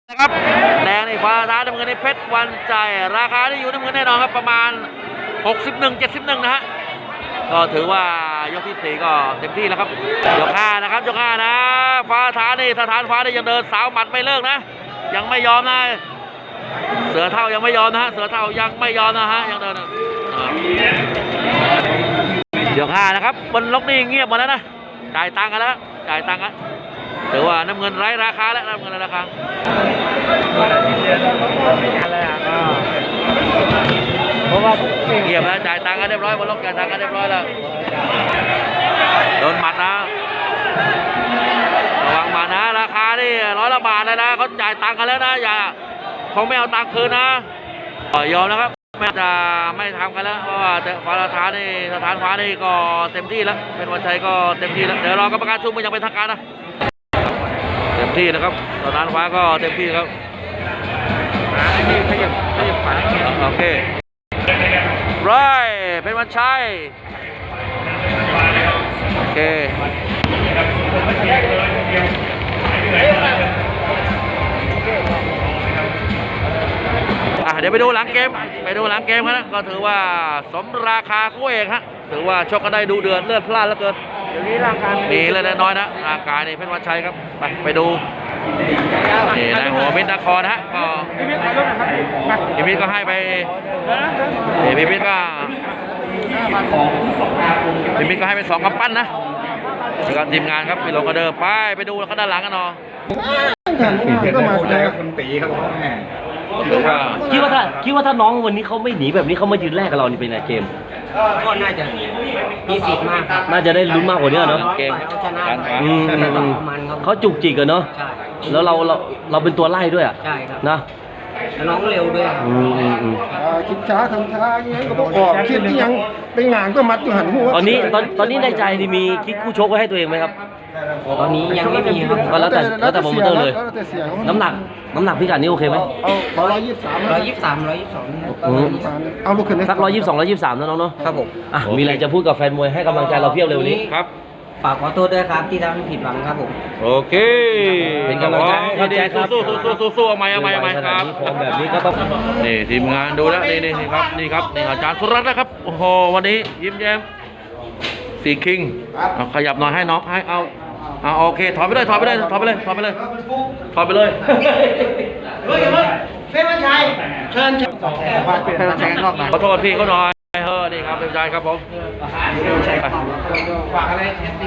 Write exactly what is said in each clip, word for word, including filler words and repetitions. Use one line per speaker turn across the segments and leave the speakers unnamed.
นะครับแดงในฟ้าท้าน้ำเงินในเพชรวันใจราคาที่อยู่น้ำเงินแน่นอนครับประมาณหกสิบเอ็ด เจ็ดสิบเอ็ดนะฮะก็ถือว่ายกที่สี่ก็เต็มที่แล้วครับยกห้านะครับยกห้านะฟ้าท้านี่สถานฟ้านี่ยังเดินสาวหมัดไม่เลิกนะยังไม่ยอมนะเสือเท่ายังไม่ยอมนะฮะเสือเท่ายังไม่ยอมนะฮะยังเดินยกห้านะครับบนล็อกนี่เงียบหมดแล้วนะจ่ายตังค์กันแล้วจ่ายตังค์กันถือว่าน้ำเงินไร้ราคาแล้วน้ำเงินไร้ราคาเพราะว่าเงียบแล้วจ่ายตังค์กันเรียบร้อยบนล็อกจ่ายตังค์กันเรียบร้อยแล้วโดนหมัดนะระวังหมัดนะราคานี่ร้อยละบาทเลยนะเขาจ่ายตังค์กันแล้วนะอย่าเขาไม่เอาตังค์คืนนะยอมนะครับไม่จะไม่ทำกันแล้วเพราะว่าฟ้าสถานนี่สถานฟ้านี่ก็เต็มที่แล้วเป็นวันชัยก็เต็มที่แล้วเดี๋ยวรอกรรมการชุมมันยังเป็นทางการนะเต็มที่นะครับสถานฟ้าก็เต็มที่ครับขยับขยับขาโอเคร้อยเป็นวันชัยโอเคเดี๋ยวไปดูหลังเกมไปดูหลังเกมกันนะก็ถือว่าสมราคาคู่เอกฮะถือว่าชกกันได้ดูเดือดเลือดพล่านเหลือเกินเดี๋ยวนี้ร่างกายมีเลยน้อยนะร่างกายนี่เพชรวันชัยครับไปไปดูนี่นายหัวมิตรนครฮะก็พี่มิตรก็ให้ไปพี่มิตรก็พี่มิตรก็ให้ไปสองกำปั้นนะแล้วก็ทีมงานครับไปลงกระเดิมไปไปดูเขาด้านหลังกันเนาะ
ก็มาใจกับคุณตีครับ
คิดว่าถ้าคิดว่าถ้าน้องวันนี้เขาไม่หนีแบบนี้เขามายืนแรกกับเรานี่เป็นไงเกม
ก็น่าจะมีสิทธิ์มากครับ
น่าจะได้ลุ้นมากกว่านี้เนาะ
เกม
ชนะ
เขาจุกจิกกันเนาะแล้วเราเราเราเป็นตัวไล่ด้วยอ่ะ
ใช่ครับ
นะ
แล้วน้องเร็วด้วย
อืมอืมอืม
คิดช้าทำช้าอย่างเงี้ยก็ต้องออกคิดที่ยังไปงานก็มัดอยู่หันหัว
ตอนนี้ตอนตอนนี้ในใจนี่มีคิดคู่ชกไว้ให้ตัวเองไหมครับ
ตอนนี้ยังไม่มีครับ
ก็แล้วแต่แล้วแต่โปรโมเตอร์เลยน้ำหนักน้ำหนักพิกัดนี้โอเคไหม
เอาร้อยยี่สิบสาม
ร้อยยี่สิบสามร้อยยี่สิบสอง
เอาลูกขึ้น
สักร้อยยี่สิบสองร้อยยี่สิบสามนะน้องเนาะ
ครับผม
อ่ะมีอะไรจะพูดกับแฟนมวยให้กำลังใจเราเพียบเร็วนี้
ครับ
ฝากขอโทษด้วยครับที่ทำให้ผิดหวังครับผม
โอเค
เป็นกำลังใจให้ใจครับ
สู้สู้สู้สู้สู้เอาใหม่เอาใหม่เอาใหม่ครับ
แบบนี้ก็ต้อง
นี่ทีมงานดูแล้วนี่นี่ครับนี่ครับนี่อาจารย์สุรัตน์นะครับโอ้โหวันนี้ยิ้มแย้มสีคิงขยับหน่อยให้น้องให้เอาเอาโอเคถอยไปเลยถอยไปเลยถอยไปเลยถอยไปเลยถอยไปเลย
เฮ้ยเฮ้ยเฟ้ยวันชัยเชิญเชิญเฟ้ยวันชัยกันรอบมา
ขอโทษพี่เขาหน่อยเฮ้อนี่ครับเป็นใจครับผม
ฝากอะไรแทนพี่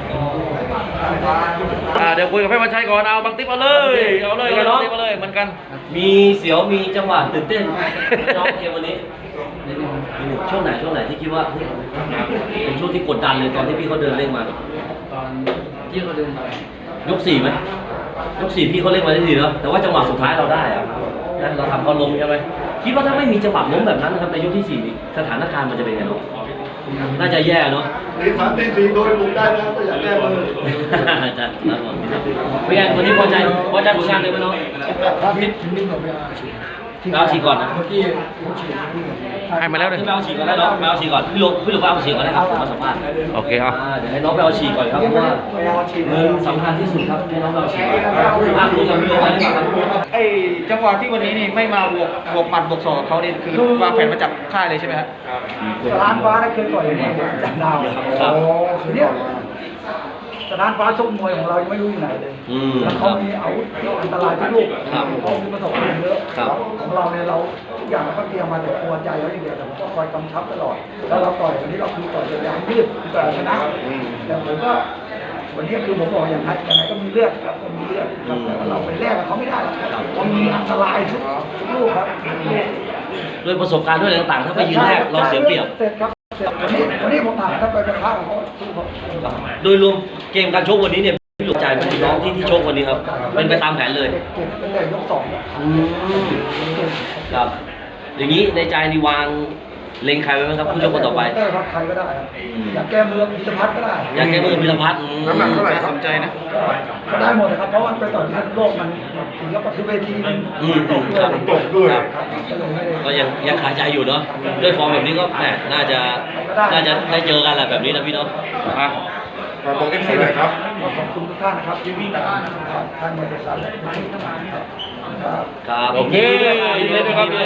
เขา
เดี๋ยวคุยกับพี่วันชัยก่อนเอาบางติ๊บเอาเลยเอาเลยเอาเลยเอาเลยเหมือนกัน
มีเสียวมีจังหวะตื่นเต้นน้องเกมวันนี้ช่วงไหนช่วงไหนที่คิดว่าเป็นช่วงที่กดดันเลยตอนที่พี่เขาเดินเร่งมา
ตอนที่เขาเดินไป
ยกสี่ไหมยกสี่พี่เขาเล่นมาได้ดีเนาะแต่ว่าจังหวะสุดท้ายเราได้อะนะเราทำเขาล้มใช่ไหมคิดว่าถ้าไม่มีจังหวะล้มแบบนั้นนะครับในยกที่สี่สถานการณ์มันจะเป็นไงเนาะน่าจะแย่เนาะ
ตีสามตีสี่โดนบุกได้นะก็อยากแก้มือ
อาจารย์ครับผมเป็นไงวันนี้พอใจพอใจผลงานเลยไหมน้อง
พิษนิ่งกว่าไป
เอาฉีกก่อนนะ
เมื่อกี้
ให้มาแล้วเลย
ไปเอาฉีกก่อนได้เนาะไปเอาฉีกก่อนพี่ลุงพี่ลุงไปเอาฉีกก่อนได้ครับผมมาสัมภาษณ์
โอเคเอา
เดี๋ยวให้น้องไปเอาฉีกก่อนครับเพราะว่าเงินสำคัญที่สุดครับให้น้องไปเอาฉีกก่อนอ่ะคุยกับพี่ลุงได้ไหมครับ
ไอ้จังหวะที่วันนี้นี่ไม่มาบวกบวกหมัดบวกศอกเขานี่คือวางแผนมาจับค่ายเลยใช่ไหมครับ
สถานฟ้าได้เคยต่อยเนี่ยจับดาวโอ้เนี่ยสถานฟ้าชกมวยของเรายังไม่รู้อยู่ไหนเลยแล้วเขามีอาวุธอันตรายทุกลูกเขามีประสบการณ์เยอะของเราเนี่ยเราทุกอย่างเราก็เตรียมมาแต่กลัวใจเขาอย่างเดียวแต่ผมก็คอยกำชับตลอดแล้วเราต่อยวันนี้เราคือต่อยอย่างยืดแต่ชนะแต่ผมก็วันนี้คือผมบอกอย่างไรอย่างไรก็มีเลือดครับก็มีเลือดครับแต่เราไปแลกกับเขาไม่ได้หรอกมันมีอันตรายทุกลูกครับ
ด้วยประสบการณ์ด้วยอะไรต่างๆถ้าไปยืนแรกเราเสียเปรียบ
วันนี้วันนี้ผมถามถ้าไปกระทะเขา
โดยรวมเกมการชกวันนี้เนี่ยพี่หลุดใจเป็นน้องที่ที่ชกวันนี้ครับเป็นไปตามแผนเลย
เป็นแต่ยกสอง
ครับอย่างนี้ในใจนี่วางเล็งใครไว้ไหมครับผู้ชกคนต่อไป
ได้ครับใครก็ได้อยากแก้มือพิรพัฒน์ก็ได้
อยากแก้มือพิรพัฒน์
น้ำหนักเท่าไหร่สนใจนะก็ได้หมดนะครับเพราะว่าไปต่อที่โลกมันถึงกับปัจจุบันทีมันตกด้วยตกด้วย
ก็ยังยังคาใจอยู่เนาะด้วยฟอร์มแบบนี้ก็แหมน่าจะน่าจะได้เจอกันแหละแบบนี้นะพี่เนาะ
อ่ะ
ขอบคุณเอฟซีหน่อยครับขอบคุณทุกท่านนะครับที่วิ่งท่านบริษัทและทุกท่านครับ
ครับ
โอเคยินดีด้วยครับ